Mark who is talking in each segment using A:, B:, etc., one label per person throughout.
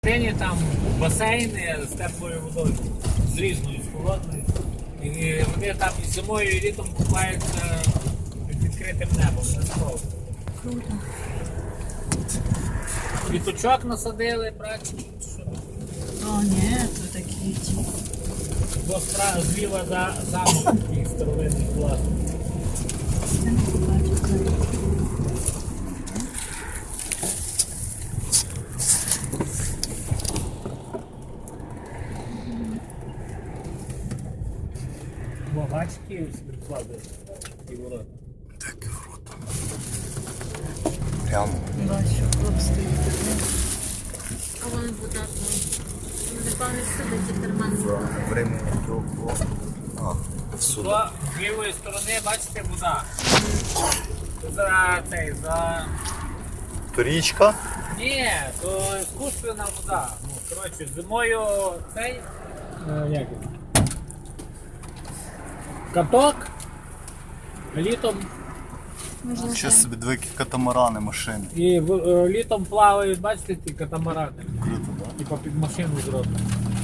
A: Нині там басейни з теплою водою, з різною, з холодною. І вони там і зимою, і літом купаються під відкритим небом.
B: Круто.
A: Квіточок насадили, братчик.
B: О, ні, то такі ті.
A: Бо зліва за замок такий старовинний клас.
B: Це не побачу.
A: Бо бачиш, Київ собі вкладає і ворота.
C: Таке круто. Прямо.
B: Бачу, хлопці. А вони будуть. Вони певно сидять і терман.
C: Времени довго. Всюди.
A: З лівої сторони, бачите, вода. За...
C: То річка.
A: Ні, то іскусственна вода. Ну, коротше, зимою цей... як він? Каток, а літом...
C: Ще собі дві катамарани машини.
A: І літом плавають, бачите, ті катамарани.
C: Круто, так?
A: Типа під машину зроблено.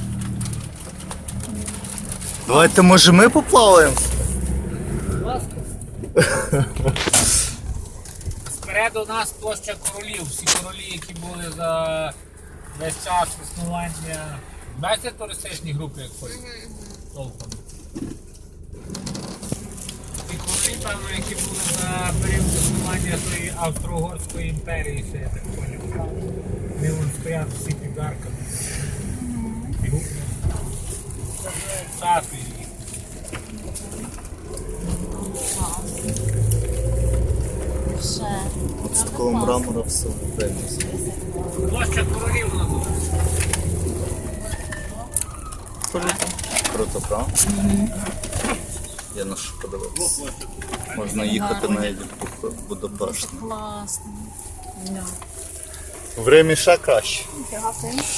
C: Давайте, може, ми поплаваємо?
A: Будь ласка. Спереду нас площа королів. Всі королі, які були за весь час існування. Бачите туристичні групи, як ходять? Толком. І королі там, які були за період існування тої Австро-Угорської імперії, ще я так поняв. Вони вон стоять всі під арками. І статуї.
B: Ще.
C: От з такого мрамора все випрямиться.
A: Площа королів називається.
C: Круто, правда? Я на що подивився. Можна їхати навіть в Будапешт.
B: Класно. Да.
C: Время ще краще.
B: Дякую.